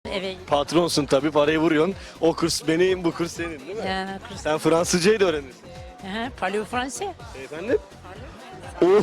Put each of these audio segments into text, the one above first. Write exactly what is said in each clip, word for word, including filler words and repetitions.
Evet. Patronsun tabii, parayı vuruyorsun. O kurs benim, bu kurs senin değil mi? Yani kurs. Sen Fransızcayı da öğrenirsin. Aha, parlez français? Efendim? Oo.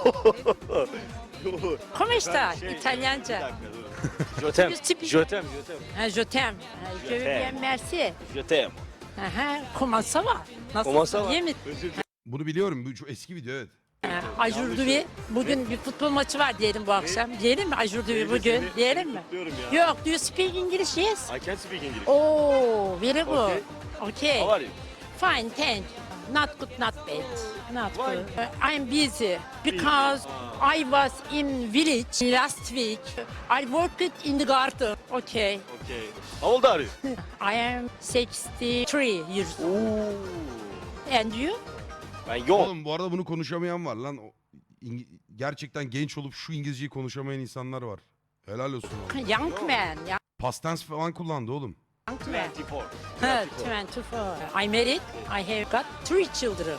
Come sta? Şey, İtalyanca. bir dakika, dur. Jötem, Tipi- jötem, jötem. Ha, je t'aime. Ha, Je veux t'aime. bien merci. Jötem. Aha, comment ça va? Nasıl? Comment ça va? İyi mi? Özür dilerim. Bunu biliyorum. Bu çok eski video evet. Ajurduvi. Bugün bir futbol maçı var diyelim bu akşam. Diyelim mi Ajurduvi Seni- bugün? seni- Diyelim seni mi? kutluyorum ya. Yok, do you speak English? Yes. I can speak English. Oh, very good. Okay. Okay. How are you? Fine, thank you. Not good, not bad. Not Why? good. Uh, I'm busy because I was in village last week. I worked in the garden. Okay. Okay. How old are you? I am sixty-three years old. Oo. And you? Ben yok. Oğlum bu arada bunu konuşamayan var lan. O- İng- gerçekten genç olup şu İngilizceyi konuşamayan insanlar var. Helal olsun oğlum. Young man. Young Past tense falan kullandı oğlum. man. twenty-four. Huh, twenty-four. I married. I have got three children.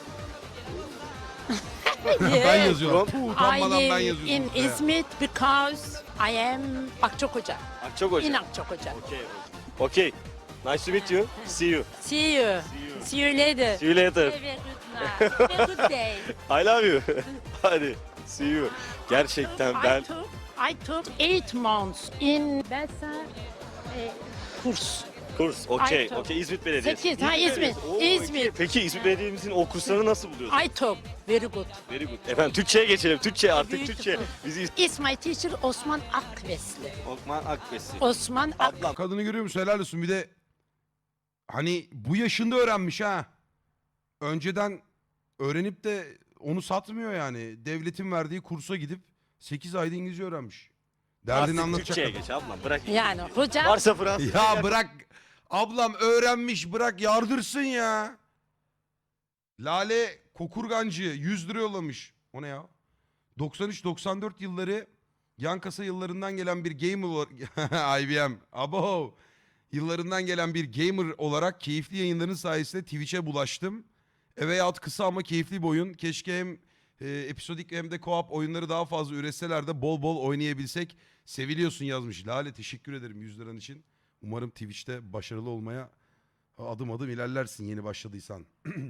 Ben Yes. yazıyorum. From- Puh, I utanmadan ben live yazıyorum. in ortaya. İzmit because I am Akçakoca. Akçakoca. In Akçakoca. Okay. Okay. Nice to meet you. See you. See you. you. See you later. See you later. Have a good night. Have a good day. I love you. Hadi. See you. Gerçekten ben I took, I took eight months in Besa e, kurs. kurs. Okay. I took- Okay. İzmit Belediyesi. Sekiz, ha, İzmit. Belediyesi. Oo, İzmit. okay. Peki İzmit Belediye'mizin o kurslarını nasıl buluyorsun? I took very good. Very good. Efendim Türkçe'ye geçelim. Türkçe artık Beautiful. Türkçe. Bizi Is my teacher Osman Akvesli. Okman Akbesi. Osman Ak. Ablam. Kadını görüyor musun? Helal olsun. Bir de hani bu yaşında öğrenmiş ha. Önceden öğrenip de onu satmıyor yani. Devletin verdiği kursa gidip sekiz ayda İngilizce öğrenmiş. Derdini Artık anlatacak. Türkçe'ye kadın. geç ablam. Bırak. Yani hocam Varsa Fransız. Ya bırak. Ablam öğrenmiş, bırak yardırsın ya. Lale Kokurgancı yüz lira yollamış. O ne ya? doksan üç doksan dört yılları yan kasa yıllarından gelen bir gamer olarak I B M. Abo. Yıllarından gelen bir gamer olarak keyifli yayınların sayesinde Twitch'e bulaştım. E veyahut kısa ama keyifli bir oyun. Keşke hem e, episodik hem de co-op oyunları daha fazla üretseler de bol bol oynayabilsek. Seviliyorsun yazmış. Lale teşekkür ederim yüz liran için. Umarım Twitch'te başarılı olmaya adım adım ilerlersin yeni başladıysan.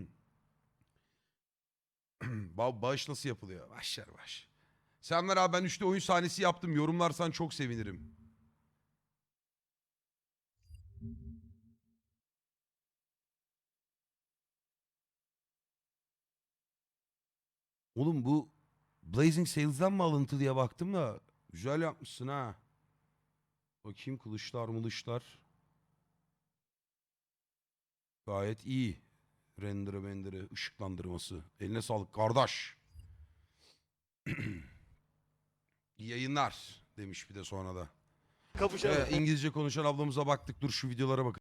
Ba bağış nasıl yapılıyor? Başlar baş. Selamlar abi, ben üçte oyun sahnesi yaptım. Yorumlarsan çok sevinirim. Oğlum bu Blazing Sales'dan mı alıntı diye baktım da güzel yapmışsın ha. Bakayım kılıçlar mılışlar. Gayet iyi. Render'ı mender'ı ışıklandırması. Eline sağlık kardeş. İyi yayınlar demiş bir de sonra da. Kapışalım. Evet, İngilizce konuşan ablamıza baktık. Dur şu videolara bakın.